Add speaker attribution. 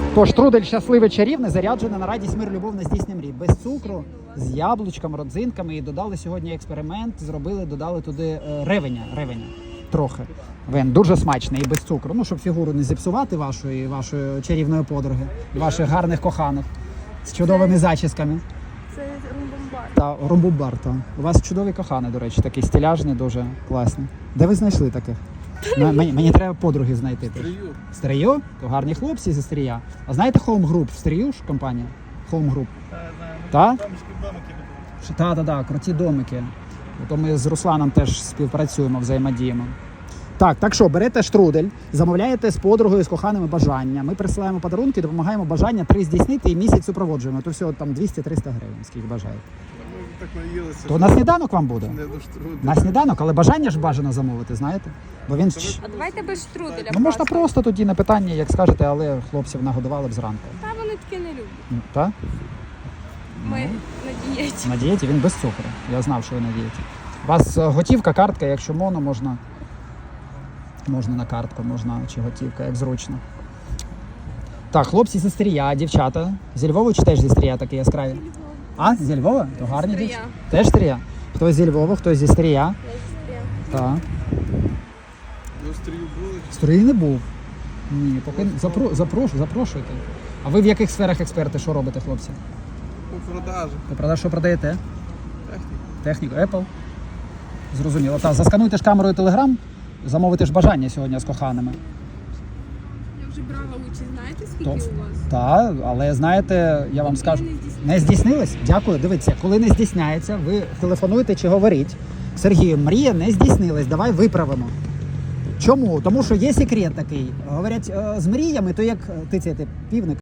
Speaker 1: Тож трудель щасливий чарівний, заряджений на радість, мир, любов, на здійснення мрій. Без цукру, з яблучком, родзинками. І додали сьогодні експеримент, додали туди ревеня трохи. Він дуже смачний і без цукру. Ну, щоб фігуру не зіпсувати вашої чарівної подруги, ваших гарних коханих з чудовими зачісками.
Speaker 2: Це румбумбар.
Speaker 1: Та румбумбар, та. У вас чудові кохані, до речі, такий стиляжний, дуже класний. Де ви знайшли таких? Мені треба подруги знайти. В Стрию? То гарні хлопці зі Стрия. А знаєте Home Group в Стрию ж компанія? Home Group. Так? Так, круті домики. То ми з Русланом теж співпрацюємо, взаємодіємо. Так що, берете штрудель, замовляєте з подругою, з коханими бажання. Ми присилаємо подарунки, допомагаємо бажання 3 здійснити і місяць супроводжуємо. То всього там 200-300 гривень, скільки бажаєте.
Speaker 3: Так наїлися.
Speaker 1: То на сніданок вам буде?
Speaker 3: Не до штруделя.
Speaker 1: На сніданок, але бажання ж бажано замовити, знаєте? Бо він...
Speaker 2: А давайте без штруделя.
Speaker 1: Ну, можна просто тоді на питання, як скажете, але хлопців нагодували б зранку.
Speaker 2: Та вони таке не люблять.
Speaker 1: Так?
Speaker 2: Ми на дієті.
Speaker 1: На дієті? Він без цукру. Я знав, що ви на дієті. У вас готівка, картка, якщо моно, можна на картку, можна чи готівка, як зручно. Так, хлопці зі Стрия, дівчата. Зі Львова чи теж зі Стрия такі яскраві? А, зі Львова? То гарні
Speaker 2: Стрия.
Speaker 1: дівчата. Теж Стрия? Хтось зі Львова, хтось зі Стрия. Так.
Speaker 3: Ви в стрію були?
Speaker 1: Строї не був. Ні, поки запрошуйте. А ви в яких сферах експерти? Що робите, хлопці? Ви
Speaker 3: У продажі.
Speaker 1: що продаєте?
Speaker 3: Техніку.
Speaker 1: Техніку, Apple? Зрозуміло. Так, заскануйте ж камерою Telegram, замовите ж бажання сьогодні з коханими.
Speaker 2: Я вже брала участь, знаєте, скільки у вас?
Speaker 1: Так, але знаєте, я вам скажу, не здійснилось? Дякую, дивіться, коли не здійсняється, ви телефонуєте чи говоріть. Сергію, мрія не здійснилась, давай виправимо. Чому? Тому що є секрет такий. Говорять, з мріями, то як тицяти півник.